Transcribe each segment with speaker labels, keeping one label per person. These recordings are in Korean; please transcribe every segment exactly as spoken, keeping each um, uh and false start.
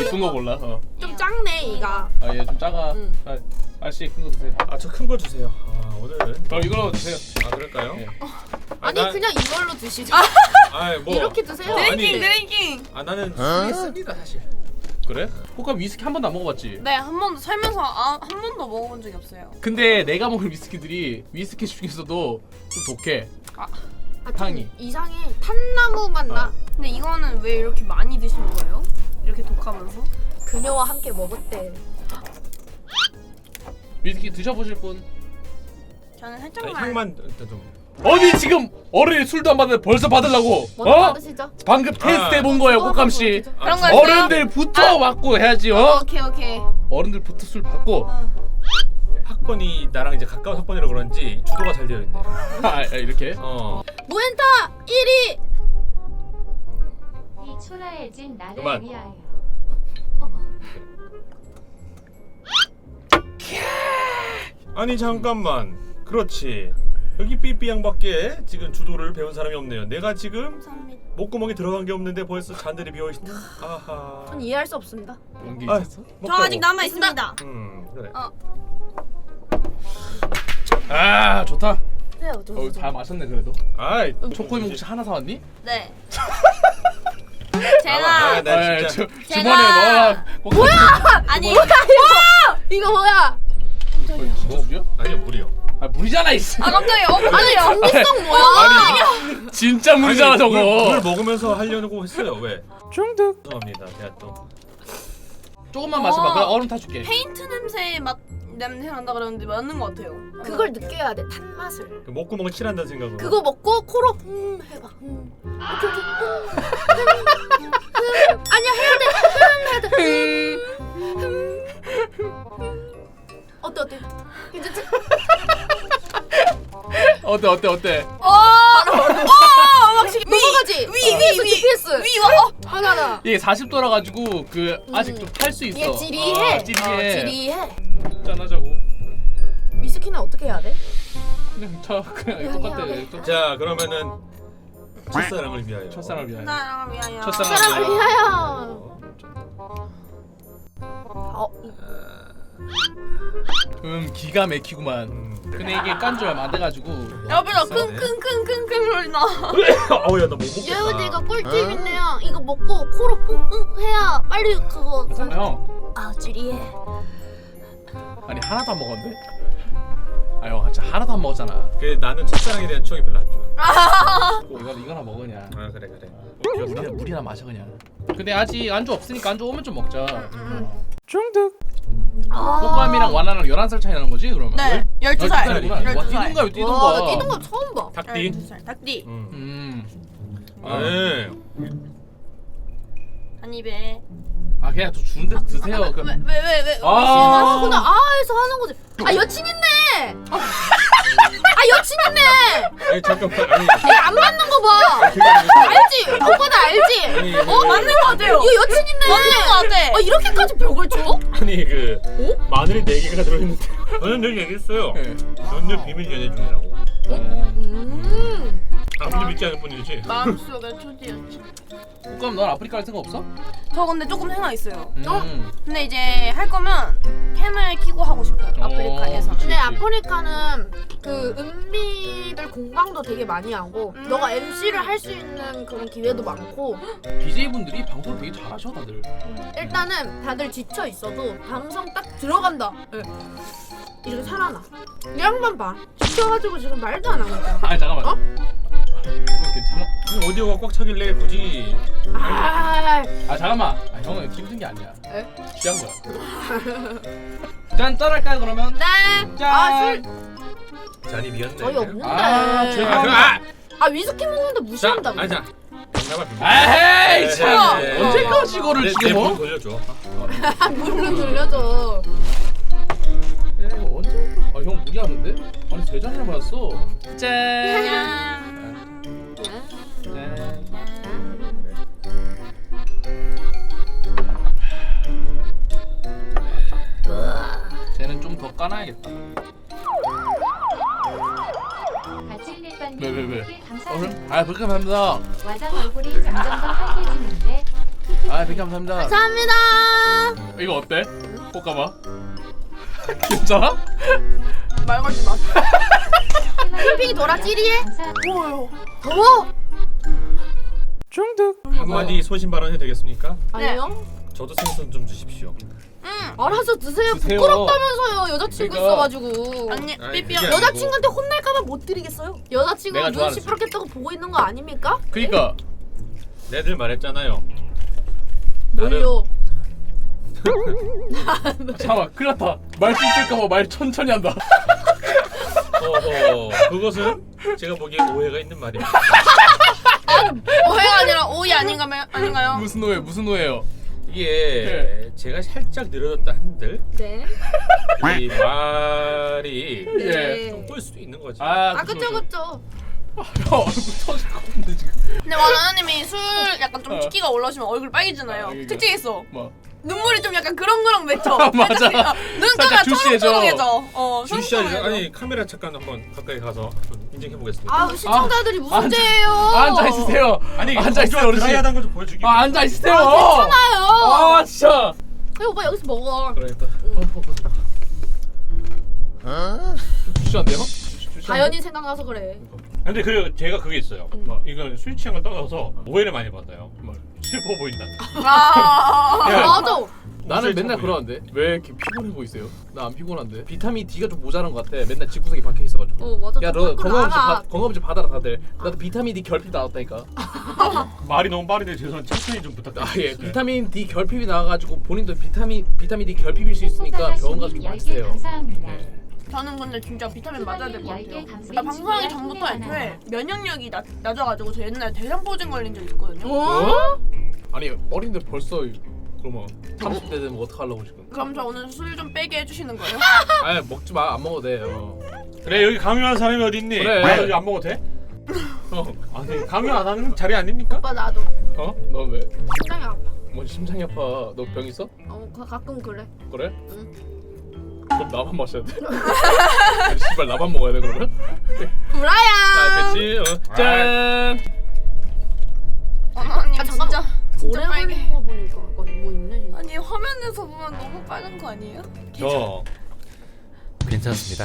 Speaker 1: 이쁜 거 골라. 어.
Speaker 2: 좀 작네 이가.
Speaker 1: 아 얘 좀 작아.
Speaker 2: 응.
Speaker 1: 아, 아저씨 큰 거 드세요.
Speaker 3: 아 저 큰 거 주세요. 아 오늘은
Speaker 1: 그럼 이걸로 드세요.
Speaker 3: 아 그럴까요?
Speaker 1: 네.
Speaker 2: 아니
Speaker 3: 나-
Speaker 2: 그냥 이걸로 드시죠.
Speaker 3: 아이 뭐
Speaker 2: 이렇게 드세요.
Speaker 3: 어, 아니.
Speaker 4: 드링킹 드링킹.
Speaker 3: 아 나는 술했습니다 사실.
Speaker 1: 그래? 호카 위스키 한 번도 안 먹어봤지?
Speaker 4: 네, 한 번도 살면서 아, 한 번도 먹어본 적이 없어요.
Speaker 1: 근데 내가 먹은 위스키들이 위스키 중에서도 좀 독해.
Speaker 2: 아,
Speaker 1: 향이.
Speaker 2: 좀 이상해. 탄나무 맛 나.
Speaker 1: 어.
Speaker 4: 근데 이거는 왜 이렇게 많이 드시는 거예요? 이렇게 독하면서?
Speaker 2: 그녀와 함께 먹었대.
Speaker 1: 위스키 드셔보실 분?
Speaker 4: 저는
Speaker 3: 아니,
Speaker 4: 살짝만.
Speaker 3: 향만 일단 좀.
Speaker 1: 어디 지금 어른이 술도 안 받는데 벌써 받으려고?
Speaker 2: 먼저
Speaker 1: 어?
Speaker 2: 받으시죠.
Speaker 1: 방금 테스트 해본 거예요, 호감 씨.
Speaker 3: 아,
Speaker 4: 그런 거
Speaker 3: 저-
Speaker 4: 있어요?
Speaker 1: 어른들부터 받고 해야지, 어?
Speaker 4: 오케이 오케이.
Speaker 1: 어른들부터 술 받고.
Speaker 4: 어.
Speaker 3: 학번이 나랑 이제 가까운 학번이라 그런지 주도가 잘 되어 있네.
Speaker 1: 아, 아, 이렇게.
Speaker 3: 어.
Speaker 2: 무엔타 일 위.
Speaker 5: 이 초라해진 나를
Speaker 3: 그만.
Speaker 5: 위하여.
Speaker 3: 아니 잠깐만. 그렇지. 여기 삐삐 양밖에 지금 주도를 배운 사람이 없네요. 내가 지금
Speaker 4: 감사합니다.
Speaker 3: 목구멍에 들어간 게 없는데 벌써 잔들이 비어 있다. 아하.
Speaker 2: 전 이해할 수 없습니다.
Speaker 1: 용기
Speaker 3: 아,
Speaker 1: 있었어?
Speaker 4: 저
Speaker 3: 먹자고.
Speaker 4: 아직 남아 있습니다.
Speaker 3: 음 그래.
Speaker 4: 어.
Speaker 1: 아, 좋다.
Speaker 2: 그래요.
Speaker 1: 어, 잘 마셨네 그래도.
Speaker 3: 아이
Speaker 1: 초코임 혹시 하나 사왔니?
Speaker 4: 네.
Speaker 3: 아,
Speaker 4: 제가
Speaker 3: 나
Speaker 1: 아,
Speaker 3: 진짜.
Speaker 1: 주,
Speaker 4: 제가-
Speaker 1: 주머니에 넣어라.
Speaker 2: 뭐야?
Speaker 4: 아니
Speaker 2: 이거 이거 뭐야?
Speaker 1: 어, 진짜 물이야?
Speaker 3: 아니요 물이요.
Speaker 1: 아, 물이잖아 이씨.
Speaker 4: 아 깜짝이야. 어
Speaker 2: 아니
Speaker 4: 깜짝이야.
Speaker 2: 정기성 뭐야?
Speaker 3: 아니
Speaker 1: 진짜 물이잖아
Speaker 3: 아니,
Speaker 1: 저거.
Speaker 3: 물, 물 먹으면서 하려고 했어요. 왜?
Speaker 1: 중독.
Speaker 3: 죄송합니다. 제가 또.
Speaker 1: 조금만 마셔봐.
Speaker 4: 어.
Speaker 1: 그럼 얼음 타줄게.
Speaker 4: 페인트 냄새 맛 냄새 난다 그러는데 맞는 것 같아요.
Speaker 2: 그걸 느껴야 돼. 탄 맛을.
Speaker 3: 그 목구멍을 칠한다는 생각으로.
Speaker 2: 그거 먹고 코로 음 해봐. 음. 오케이 오케이. 음. 음. 아니야 해야 돼. 음 해야 돼. 음. 음. 어때 어때? 괜찮지?
Speaker 1: 어때 어때 어때?
Speaker 4: 어. 어. 확실히
Speaker 2: 넘어가지.
Speaker 4: 위위위 위.
Speaker 2: 지피에스.
Speaker 4: 위 와. 어.
Speaker 2: 하나다.
Speaker 1: 이게 사십 도라 가지고 그 아직
Speaker 2: 음.
Speaker 1: 좀 탈 수 있어.
Speaker 2: 얘 지리해.
Speaker 1: 어, 지리해.
Speaker 2: 어, 지리해.
Speaker 1: 짠하자고.
Speaker 2: 위스키는 어떻게 해야 돼?
Speaker 1: 그냥 저 그냥
Speaker 2: 그냥
Speaker 1: 똑같아.
Speaker 2: 그냥
Speaker 1: 똑-
Speaker 3: 자 그러면은 첫사랑을 위하여.
Speaker 1: 첫사랑을 위하여.
Speaker 4: 나랑 위하여.
Speaker 1: 첫사랑.
Speaker 2: 사랑을 위하여. 어,
Speaker 1: 음 기가 막히구만.
Speaker 3: 음.
Speaker 1: 근데 이게 깐 지 얼마 안 돼가지고.
Speaker 4: 옆에서
Speaker 3: 비싸네.
Speaker 4: 킁킁킁킁 소리 나.
Speaker 3: 어우 야나 못 먹겠다.
Speaker 2: 여러분 이거 꿀팁 있네요. 이거 먹고 코로 뿡뿡 해야 빨리 그거.
Speaker 1: 형
Speaker 2: 아 지리해.
Speaker 1: 아니 하나도 안 먹었는데? 아형 진짜 하나도 안 먹었잖아.
Speaker 3: 그 나는 첫사랑에 대한 추억이 별로 안 좋아.
Speaker 1: 이거 이거나 먹어 그냥.
Speaker 3: 아 그래 그래.
Speaker 1: 물이나 물이나 마셔 그냥. 근데 아직 안주 없으니까 안주 오면 좀 먹자.
Speaker 4: 음.
Speaker 1: 중독.
Speaker 2: 아.
Speaker 1: 호감이랑 와나랑 열한 살 차이 나는 거지 그러면?
Speaker 4: 네. 열두 살.
Speaker 1: 살이구나. 와
Speaker 4: 열두 살.
Speaker 1: 뛰던가 왜 뛰던
Speaker 2: 와,
Speaker 1: 거야?
Speaker 2: 나 뛰는 거 처음 봐.
Speaker 3: 닭띠.
Speaker 4: 열두 살. 닭띠.
Speaker 3: 음.
Speaker 1: 음.
Speaker 3: 아, 네.
Speaker 4: 한 입에.
Speaker 1: 아 그냥 또 주는 데서 드세요. 그-
Speaker 4: 왜 왜 왜 왜?
Speaker 1: 아.
Speaker 2: 아, 근데 아에서 하는 거지. 아 여친 있네. 아, 아 여친 있네.
Speaker 3: 아니 잠깐만 아니.
Speaker 2: 얘 안 맞는 거 봐.
Speaker 3: 그게 아니라-
Speaker 2: 알지? 오빠도 알지?
Speaker 3: 아니,
Speaker 2: 어
Speaker 3: 그-
Speaker 2: 맞는 거 같아요. 이거 여친 있네.
Speaker 4: 맞는 것 같아.
Speaker 2: 아 이렇게까지 벽을 줘?
Speaker 3: 아니 그 마늘이 네 개가 들어있는데 저는 늘 얘기했어요.
Speaker 1: 네.
Speaker 3: 저는 늘 비밀 연애 중이라고.
Speaker 2: 음.
Speaker 3: 아무도 믿지 않을 뿐이지.
Speaker 4: 마음속에 초지였지.
Speaker 1: 그럼 넌 아프리카 갈 생각 없어?
Speaker 4: 저 근데 조금 생각 있어요.
Speaker 1: 음.
Speaker 4: 근데 이제 할 거면 캠을 키고 하고 싶어요. 아프리카에서.
Speaker 2: 근데 아프리카는 그 은비들 공방도 되게 많이 하고
Speaker 4: 음.
Speaker 2: 너가 엠씨를 할 수 있는 그런 기회도 많고
Speaker 1: 비제이분들이 방송 되게 잘하셔 다들.
Speaker 2: 일단은 다들 지쳐 있어도 방송 딱 들어간다. 예. 이렇게 살아나. 이 양반 봐. 지쳐가지고 지금 말도 안 하니까.
Speaker 1: 아 잠깐만.
Speaker 2: 어?
Speaker 1: 이거 괜찮아?
Speaker 3: 아니, 오디오가 꽉 차길래 굳이.
Speaker 2: 아,
Speaker 1: 아 잠깐만. 아, 형은 힘든 게 아니야.
Speaker 2: 에?
Speaker 1: 취한 거야. 짠 짠할까요 그러면?
Speaker 2: 네.
Speaker 1: 짠.
Speaker 2: 아, 술
Speaker 3: 잔이 비었네.
Speaker 2: 저희 없는데.
Speaker 1: 아, 죄송합니다.
Speaker 3: 아, 그, 아!
Speaker 2: 아 위스키 먹는데
Speaker 3: 자,
Speaker 2: 무시한다고.
Speaker 3: 아니 자. 장난만 비밀.
Speaker 1: 에이 참.
Speaker 3: 네, 네.
Speaker 1: 언제까지 이거를
Speaker 3: 내,
Speaker 1: 지금
Speaker 3: 내
Speaker 1: 뭐?
Speaker 3: 문 돌려줘.
Speaker 2: 물론 돌려줘.
Speaker 1: 에 언제? 아형 무리하는데? 아니 세 잔이나 마셨어. 짠.
Speaker 4: 짠.
Speaker 1: 짠. 쟤는 좀 더 까놔야겠다.
Speaker 5: 바질릿반님
Speaker 1: 왜, 왜, 왜?
Speaker 5: 께
Speaker 1: 어,
Speaker 5: 감사합니다.
Speaker 1: 아 그렇게 감사합니다.
Speaker 5: 와장 얼굴이 점점 더 환해지는데
Speaker 1: 아 그렇게 감사합니다.
Speaker 2: 감사합니다.
Speaker 1: 이거 어때? 볶아봐. 괜찮아?
Speaker 4: 말 걸지 마세요.
Speaker 2: 캠핑이 돌아 찌리해?
Speaker 4: 더워요.
Speaker 2: 더워?
Speaker 1: 중득.
Speaker 3: 한마디 소신 발언해도 되겠습니까?
Speaker 2: 아니요.
Speaker 3: 저도 생선 좀 주십시오.
Speaker 2: 알아서 드세요.
Speaker 1: 드세요.
Speaker 2: 부끄럽다면서요. 여자친구
Speaker 1: 그러니까.
Speaker 2: 있어가지고.
Speaker 4: 언니
Speaker 3: 아니,
Speaker 4: 삐삐야.
Speaker 3: 그게 아니고.
Speaker 2: 여자친구한테 혼날까봐 못 드리겠어요. 여자친구가
Speaker 1: 내가
Speaker 2: 눈
Speaker 1: 좋아하는
Speaker 2: 시퍼렇겠다고 보고 있는 거 아닙니까?
Speaker 1: 그니까
Speaker 3: 내들 말했잖아요. 나는
Speaker 2: 뭘요?
Speaker 1: 잠깐만 큰일 났다. 말 씹을까봐 말 천천히 한다.
Speaker 3: 어허, 그것은 제가 보기엔 오해가 있는 말입니다.
Speaker 4: 오해가 아니라 오이 아닌가요? 아닌가요?
Speaker 1: 무슨 오해 무슨 오해요?
Speaker 3: 이게 제가 살짝 늘어졌다 한들
Speaker 2: 네.
Speaker 3: 이 말이
Speaker 1: 예.
Speaker 3: 좀 꼬일 수도 있는 거지.
Speaker 1: 아,
Speaker 2: 아 그쵸 그쵸.
Speaker 1: 야 얼굴 터질 것 같은데 지금.
Speaker 4: 근데 와나나님이 술 약간 좀
Speaker 1: 어.
Speaker 4: 치기가 올라오시면 얼굴 빨개지잖아요.
Speaker 1: 아, 이게-
Speaker 4: 특징 있어.
Speaker 1: 뭐?
Speaker 4: 눈물이 좀 약간 그렁그렁 맺혀.
Speaker 1: 맞아.
Speaker 4: 눈가가
Speaker 1: 살짝 주시해져.
Speaker 4: 초롱초롱해져. 어,
Speaker 3: 주시야
Speaker 4: 초롱초롱해져.
Speaker 3: 아니 카메라 잠깐 한번 가까이 가서 인증해 보겠습니다.
Speaker 2: 아 시청자들이 무슨
Speaker 1: 앉아-
Speaker 2: 죄예요?
Speaker 1: 앉아 있으세요.
Speaker 3: 아니
Speaker 1: 앉아 있어요 어르신.
Speaker 3: 드라이하다는 걸 좀 보여주기.
Speaker 1: 아 앉아 있으세요.
Speaker 2: 괜찮아요.
Speaker 1: 아 진짜.
Speaker 2: 야, 오빠 여기서 먹어.
Speaker 1: 그러겠다. 좀 주시한데요?
Speaker 2: 자연이 생각나서 그래.
Speaker 3: 근데 그 제가 그게 있어요.
Speaker 1: 뭐?
Speaker 3: 이건 술 취향을 떠나서 오해를 많이 받아요.
Speaker 1: 뭘?
Speaker 3: 슬퍼 보인다.
Speaker 4: 아.
Speaker 3: 야,
Speaker 2: 맞아.
Speaker 1: 나는 맨날 그러는데 왜 이렇게 피곤해 보이세요? 나 안 피곤한데 비타민 D가 좀 모자란 것 같아. 맨날 집구석에 박혀 있어가지고.
Speaker 2: 어 맞아.
Speaker 1: 야
Speaker 2: 좀
Speaker 1: 너
Speaker 2: 밖으로
Speaker 1: 건강검진
Speaker 2: 나가.
Speaker 1: 받- 건강검진 받아라 다들. 나도 비타민 D 결핍 나왔다니까.
Speaker 3: 말이 너무 빠르네. 죄송한데 천천히 좀 부탁드립니다.
Speaker 1: 아 예, 비타민 D 결핍이 나와가지고 본인도 비타민 비타민 D 결핍일 수 있으니까 병원 가서 좀
Speaker 5: 열 개
Speaker 1: 맞으세요.
Speaker 5: 감사합니다.
Speaker 1: 네.
Speaker 4: 저는 근데 진짜 비타민 맞아야 될 것
Speaker 5: 열 개
Speaker 4: 같아요.
Speaker 5: 감사합니다.
Speaker 4: 나 방송하기 전부터 애초에 면역력이 낮, 낮아가지고 저 옛날에 대장포진 걸린 적 있거든요.
Speaker 1: 어? 아니 어린데 벌써 그러면 삼십 대 되면 어떡하려고 지금?
Speaker 4: 그럼 저 오늘 술 좀 빼게 해주시는 거예요?
Speaker 1: 아니 먹지 마, 안 먹어도 돼. 어.
Speaker 3: 그래 여기 강요하는 사람이 어디 있니?
Speaker 1: 그래.
Speaker 3: 나 여기 안 먹어도 돼?
Speaker 1: 어?
Speaker 3: 아니 강요 안 하는 자리 아닙니까?
Speaker 2: 오빠 나도
Speaker 1: 어? 너 왜?
Speaker 2: 심장이 아파.
Speaker 1: 뭐 심장이 아파? 너 병 있어?
Speaker 2: 어 가, 가끔 그래.
Speaker 1: 그래?
Speaker 2: 응.
Speaker 1: 그럼 나만 마셔야 돼? 아니, 씨발 나만 먹어야 돼 그러면?
Speaker 2: 브라야.
Speaker 1: 아 그치? 어. 짠!
Speaker 4: 어머님
Speaker 2: 아, 잠깐만.
Speaker 4: 진짜
Speaker 2: 오래
Speaker 4: 진짜 빨개.
Speaker 2: 걸린 거 보니까 약간 뭐 있네 진짜.
Speaker 4: 아니 화면에서 보면 너무 빨간 거 아니에요?
Speaker 3: 저 괜찮습니다.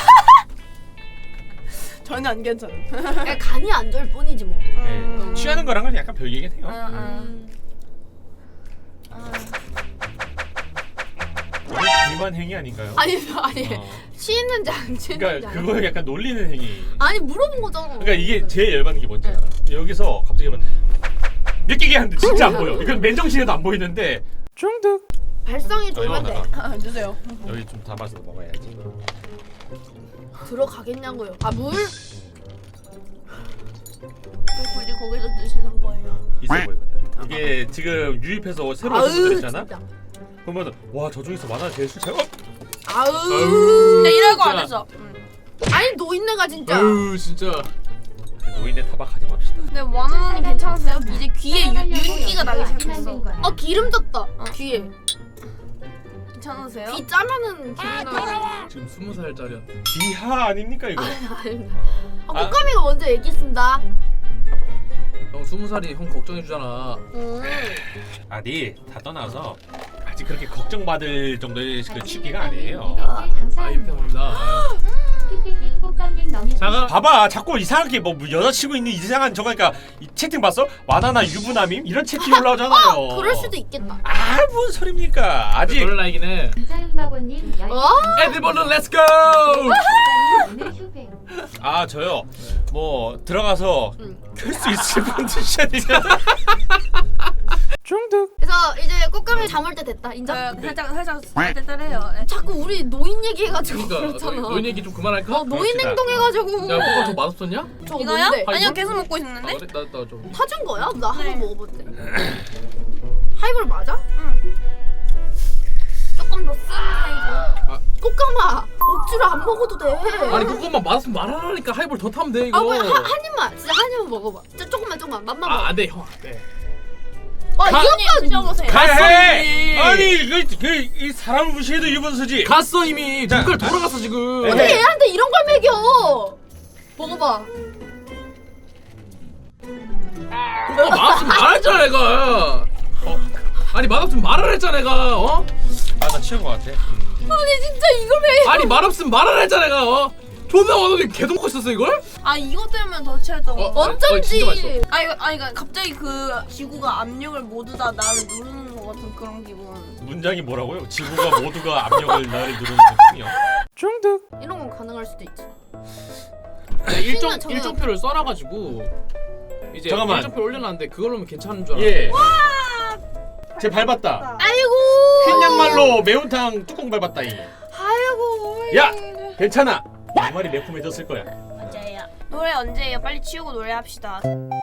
Speaker 4: 전혀 안 괜찮은.
Speaker 2: 그냥 간이 안 좋을 뿐이지 뭐.
Speaker 3: 네. 취하는 거랑은 약간 별개긴 해요.
Speaker 4: 아, 아.
Speaker 2: 음.
Speaker 4: 아.
Speaker 3: 비만 행위 아닌가요?
Speaker 2: 아니 아니
Speaker 3: 어.
Speaker 2: 취했는지 안 취했는지.
Speaker 3: 그러니까
Speaker 2: 알아?
Speaker 3: 그거 약간 놀리는 행위.
Speaker 2: 아니 물어본 거잖아.
Speaker 3: 그러니까 이게 제일 열받는 게 뭔지 알아? 여기서 갑자기 막 몇 개게 하는데 진짜 안 보여. 이건 맨정신에도 안 보이는데
Speaker 1: 중득!
Speaker 2: 발성이
Speaker 3: 어,
Speaker 2: 좋으면 돼.
Speaker 3: 이거다가
Speaker 4: 아, 주세요.
Speaker 3: 여기 좀 담아서 먹어야지.
Speaker 2: 들어가겠냐고요. 아 물?
Speaker 4: 왜 굳이 거기서 드시는 거예요?
Speaker 3: 있어 보이거든. 이게 지금 유입해서 새로 오신 분들 있잖아.
Speaker 2: 진짜.
Speaker 3: 그러면 와 저 중에서 만화 제일 술 잘. 어?
Speaker 2: 아우.
Speaker 4: 근데 이럴 거 안
Speaker 1: 진짜.
Speaker 4: 했어. 음.
Speaker 2: 아니 노인네가 진짜.
Speaker 1: 아유 진짜.
Speaker 3: 노인네 타박하지 맙시다.
Speaker 4: 근데 원하는 괜찮으세요? 이제 귀에 유, 윤기가 나기 시작했어.
Speaker 2: 어 기름 졌다. 귀에.
Speaker 4: 괜찮으세요?
Speaker 2: 귀 짜면은 기름 나.
Speaker 1: 지금 스무 살짜리야.
Speaker 3: 기하 아닙니까 이거?
Speaker 2: 아닙니다. 아, 꽃가미가 먼저 얘기했습니다.
Speaker 1: 형 스무 살이 형 걱정해 주잖아.
Speaker 2: 음.
Speaker 3: 아니 다 떠나서 아직 그렇게 걱정받을 정도의 그 취기가 아니에요.
Speaker 1: 아 이렇게
Speaker 5: 감사합니다.
Speaker 1: 합니다.
Speaker 5: 피피님 꽃감님 너무
Speaker 1: 자가
Speaker 3: 봐봐 자꾸 이상하게 뭐 여자친구 있는 이상한 저거 그러니까 이 채팅 봤어? 와나나 유부남임? 이런 채팅 올라오잖아요.
Speaker 2: 그럴 수도 있겠다.
Speaker 3: 아 뭔 소리입니까? 아직
Speaker 1: 그럴 나이긴 해.
Speaker 5: 감사음바보님 열 개
Speaker 2: 어?
Speaker 1: 에드벌룬 렛츠고!
Speaker 5: 오늘 휴배.
Speaker 3: 아 저요 뭐 들어가서
Speaker 2: 응.
Speaker 3: 켤 수 있을 분 드셔야되면
Speaker 1: 중득!
Speaker 2: 그래서 이제 꽃가미 잠올 때 됐다. 인정?
Speaker 4: 저 살짝 살짝 쌀쌀해요. 네.
Speaker 2: 자꾸 우리 노인 얘기해가지고
Speaker 1: 그러니까
Speaker 2: 그렇잖아.
Speaker 1: 너, 노인 얘기 좀 그만할까?
Speaker 2: 어 노인
Speaker 3: 그럽시다.
Speaker 2: 행동해가지고.
Speaker 1: 야 뭐가 더 맛없었냐?
Speaker 2: 저거
Speaker 4: 이거요?
Speaker 2: 뭔데?
Speaker 4: 아니요
Speaker 1: 하이볼?
Speaker 4: 계속 먹고
Speaker 1: 아
Speaker 4: 있는데.
Speaker 1: 그래? 나, 나 좀.
Speaker 2: 타준 거야? 나
Speaker 4: 네.
Speaker 2: 한번 먹어봤대. 하이볼 맞아?
Speaker 4: 응.
Speaker 2: 조금 더 쓴 하이볼.
Speaker 1: 아.
Speaker 2: 꽃가마 억지로 안 먹어도 돼.
Speaker 1: 아니 그것만 맛없으면 말하라니까 하이볼 더 타면 돼 이거.
Speaker 2: 아, 뭐야, 한, 한 입만 진짜 한 입만 먹어봐. 진짜 조금만 조금만 맛만
Speaker 1: 아
Speaker 2: 먹어.
Speaker 1: 안돼 형 안돼.
Speaker 2: 아
Speaker 4: 가-
Speaker 2: 이것도
Speaker 4: 드셔보세요.
Speaker 1: 갔어,
Speaker 3: 아니 그이 사람을 무시해도 유분수지.
Speaker 1: 갔어 이미.
Speaker 3: 자,
Speaker 1: 눈깔 돌아갔어 지금.
Speaker 3: 네.
Speaker 2: 어떻게 얘한테 이런 걸 먹여? 먹어봐.
Speaker 1: 그거 맛없으면 말했잖아 내가. 어? 아니 맛없으면 말을 했잖아 내가. 어?
Speaker 3: 취한 것 같아. 음.
Speaker 2: 아니 진짜 이걸 왜?
Speaker 1: 아니 말 없으면 말을 했잖아 내가. 어? 존나 어느새 계속 먹고 있었어 이걸?
Speaker 4: 아 이것 때문에 더 취했던 거.
Speaker 1: 어?
Speaker 4: 어?
Speaker 1: 어, 진짜 맛있어.
Speaker 4: 아 이거 아니 그러니까 갑자기 그 지구가 압력을 모두 다 나를 누르는 것 같은 그런 기분.
Speaker 3: 문장이 뭐라고요? 지구가 모두가 압력을 나를 누르는 거군요.
Speaker 1: 중득.
Speaker 2: 이런 건 가능할 수도 있지.
Speaker 1: 일정
Speaker 2: 저는-
Speaker 1: 일정표를 써놔가지고 이제
Speaker 3: 잠깐만.
Speaker 1: 일정표 올려놨는데 그걸로면 괜찮은 줄 알아.
Speaker 3: 예. 제 밟았다.
Speaker 2: 아이고.
Speaker 3: 흰 양말로 매운탕 뚜껑 밟았다이.
Speaker 2: 아이고.
Speaker 3: 야! 괜찮아. 양말이 매콤해졌을 거야.
Speaker 4: 맞아요. 노래 언제예요? 빨리 치우고 노래합시다.